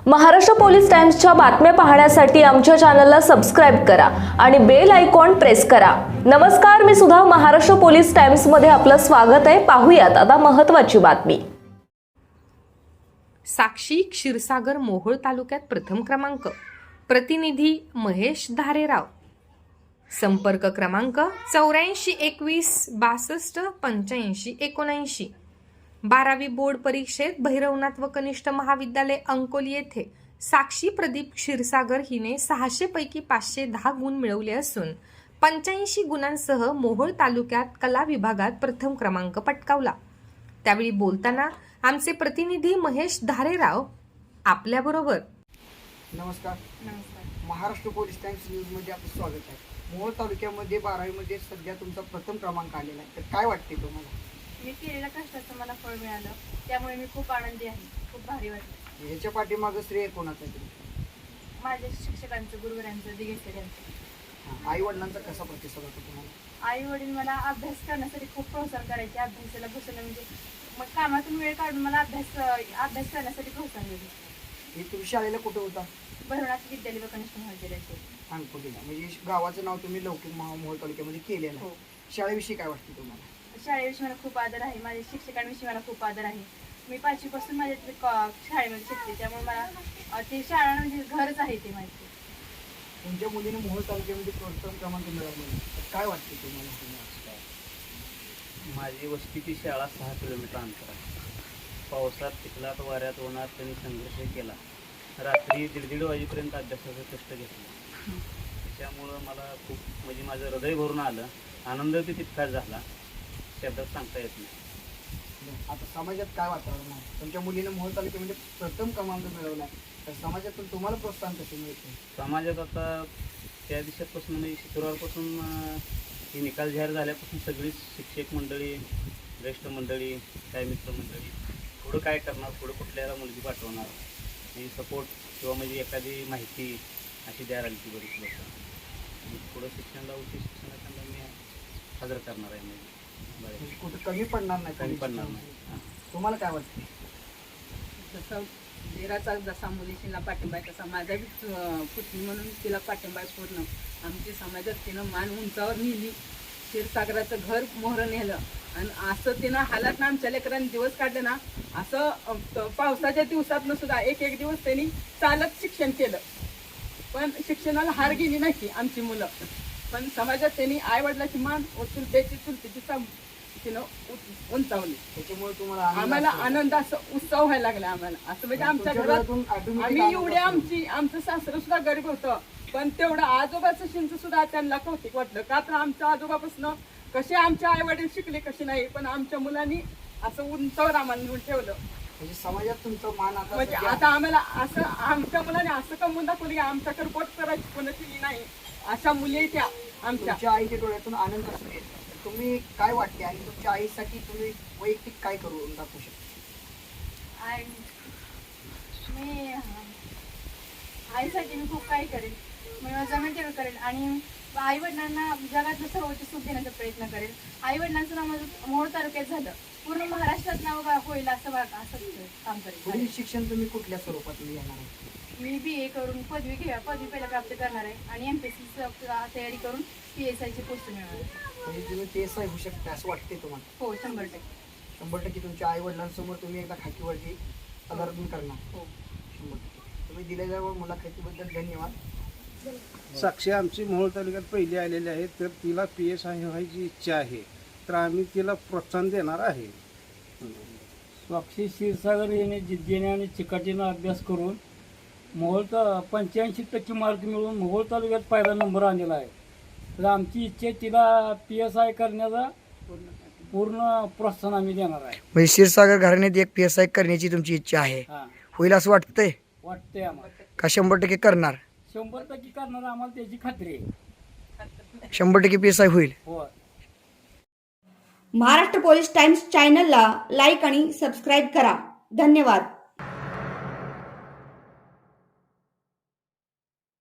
Maharashtra police टाइम्सच्या बातम्या पाहण्यासाठी आमच्या चॅनलला सबस्क्राइब करा आणि बेल आयकॉन प्रेस करा। नमस्कार, मी सुधा, महाराष्ट्र पोलीस टाइम्स मध्ये आपलं स्वागत आहे। पाहूयात आता महत्त्वाची बातमी। साक्षी क्षीरसागर मोहोळ तालुक्यात प्रथम क्रमांक, प्रतिनिधी महेश धारेराव। संपर्क क्रमांक 84 21 62 85 79। 12वी बोर्ड परीक्षेत भैरवनाथ व कनिष्ठ महाविद्यालय अंकोली येथे साक्षी प्रदीप क्षीरसागर हिने 600 पैकी 510 गुण मिळवले असून 85 गुणांसह मोहोळ तालुक्यात कला विभागात प्रथम क्रमांक पटकावला। त्यावेळी बोलताना आमचे प्रतिनिधी महेश धारेराव आपल्याबरोबर। नमस्कार। महाराष्ट्र पोलीस टाइम्स न्यूज मध्ये आपलं स्वागत आहे। मोहोळ तालुक्यामध्ये 12वी मध्ये सध्या तुमचा प्रथम क्रमांक आलेला आहे, तर काय वाटते तुम्हाला? मी केलेल्या कष्टाचं मला फळ मिळालं, त्यामुळे मी खूप आनंदी आहे। खूप भारी वाटलं। याच्या पाठीमागं श्रेय कोणाचं आहे? माझ्या शिक्षकांचं, गुरुवरांचं, दिगेसर यांचं। आई वडिलांचा कसा प्रतिसाद होता तुम्हाला? आई वडील मला अभ्यास करण्यासाठी खूप प्रोत्साहन करायचे। अभ्यासाला बसवलं म्हणजे मग कामातून वेळ काढून मला अभ्यास करण्यासाठी प्रोत्साहन दिले। हे तुम्ही शाळेला कुठे होता? भैरवनाथ विद्यालय व कनिष्ठ महाविद्यालयाचे अंकोलीला, म्हणजे गावाचं नाव तुम्ही लौकिक मोहोळ तालुक्यामध्ये केलेलं आहे। शाळेविषयी काय वाटते तुम्हाला? शाळेविषयी मला खूप आदर आहे। माझ्या शिक्षकांविषयी मला खूप आदर आहे। मी 5वी पासून माझ्या शाळेमध्ये शिकते, त्यामुळे मला ते शाळा म्हणजे घरच आहे ते माहिती। तुमच्या मुलीने मोहोळ तालुक्यामध्ये प्रथम क्रमांक मिळवला, तर काय वाटते तुम्हाला? माझी वस्तीची शाळा 6 किलोमीटर अंतर आहे। पावसात, चिखलात, वाऱ्यात, उन्हात त्यांनी संघर्ष केला। रात्री 1:30 वाजेपर्यंत अभ्यासाचं कष्ट घेतलं। त्यामुळं मला खूप म्हणजे माझं हृदय भरून आलं। आनंद ते तितकाच झाला, शब्दात सांगता येत नाही। आता समाजात काय वातावरण आहे? तुमच्या मुलीने मोहोळ तालुक्यामध्ये प्रथम क्रमांक मिळवला, तर समाजातून तुम्हाला प्रोत्साहन कसे मिळते? समाजात आता त्या दिवसापासून म्हणजे शुक्रवारपासून हे निकाल जाहीर झाल्यापासून सगळीच शिक्षक मंडळी, ज्येष्ठ मंडळी, काय मित्रमंडळी पुढं काय करणार, पुढं कुठल्याला मुलगी पाठवणार, म्हणजे सपोर्ट किंवा म्हणजे एखादी माहिती अशी द्यायला आली ती बरीच लोक। पुढं शिक्षणाला, उच्च शिक्षणाला मी हजर करणार आहे, म्हणजे कुठं कमी पडणार नाही, कमी पडणार नाही। तुम्हाला काय वाटते? जसं धीराचा जसा मुलीशीला पाठिंबा आहे, तसा माझा बी पुतणी म्हणून तिला पाठिंबा आहे पूर्ण। आमची समाजात तिनं मान उंचावर नेली, क्षीरसागराचं घर मोहरं नेलं, आणि असं तिनं हालात आमच्या लेकरांनी दिवस काढले ना। असं पावसाच्या दिवसातनं सुद्धा एक दिवस त्यांनी चालत शिक्षण केलं, पण शिक्षणाला हार गेली नाही आमची मुलं। पण समाजात त्यांनी आई वडिलाची मान चुलत्याची तिनं उंचावली। त्याच्यामुळे तुम्हाला आम्हाला आनंद, असं उत्सव व्हायला लागला आम्हाला। असं म्हणजे आमच्या घरात आम्ही एवढे आमचं सासरं सुद्धा गरीब होतं, पण तेवढं आजोबाचं शिंच सुद्धा त्यांना कौतिक वाटलं। का तर आमच्या आजोबापासून कसे आमचे आई वडील शिकले कसे नाही, पण आमच्या मुलांनी असं उंचावर आम्हाला नेऊन ठेवलं। म्हणजे समाजात तुमचा मान आता म्हणजे आता आम्हाला असं आमच्या मुलाने असं कमवून दाखवली, आमच्याकडे बोट करायची कोणाची नाही, अशा मुली त्या आमच्या। तुमच्या आईच्या डोळ्यातून आनंद असू दे, तुम्ही काय वाटते आणि तुमच्या आईसाठी तुम्ही वैयक्तिक काय करून दाखवू शकता? मी आईसाठी मी खूप काही करेन, मी जमेल तेवढं करेन, आणि आई वडिलांना जगातलं सर्वोच्च सुख देण्याचा प्रयत्न करेन। आई वडिलांचं नाव माझं मोहोळ तालुक्यात झालं, पूर्ण महाराष्ट्रात नाव होईल असं काम करेन। पुढील शिक्षण तुम्ही कुठल्या स्वरूपात घेणार आहे? मी BA करून पदवी पहिला प्राप्त करणार आहे, आणि MPSC तयारी करून PSI ची पोस्ट मिळवणार आहे। म्हणजे तुम्ही PSI होऊ शकता असं वाटते तुम्हाला? हो, 100%। 100% तुमच्या आई वडिलांसमोर तुम्ही एकदा खाकीवरती पदार्पण करणार? हो। 100%। तुम्ही दिलेल्या मुलाखतीबद्दल धन्यवाद। साक्षी आमची मोहोळ तालुक्यात पहिली आलेली आहे, तर तिला PSI व्हायची इच्छा आहे, तर आम्ही तिला प्रोत्साहन देणार आहे। साक्षी क्षीरसागर याने जिद्दीने आणि चिकाटीनं अभ्यास करून मोहोळ 85% मार्क मिळवून मोहोळ तालुक्यात पहिला नंबर आणलेला आहे। तर आमची इच्छा आहे तिला PSI करण्याचा पूर्ण प्रोत्साहन आम्ही देणार आहे। म्हणजे क्षीरसागर घराण्यात एक PSI करण्याची तुमची इच्छा आहे, हां, होईल असं वाटतंय वाटतंय आम्हाला। का 100% करणार? 100% करणार, आम्हाला त्याची खात्री आहे। 100% PSI होईल। हो। महाराष्ट्र पोलीस टाइम्स चॅनलला लाईक आणि सबस्क्राईब करा। धन्यवाद।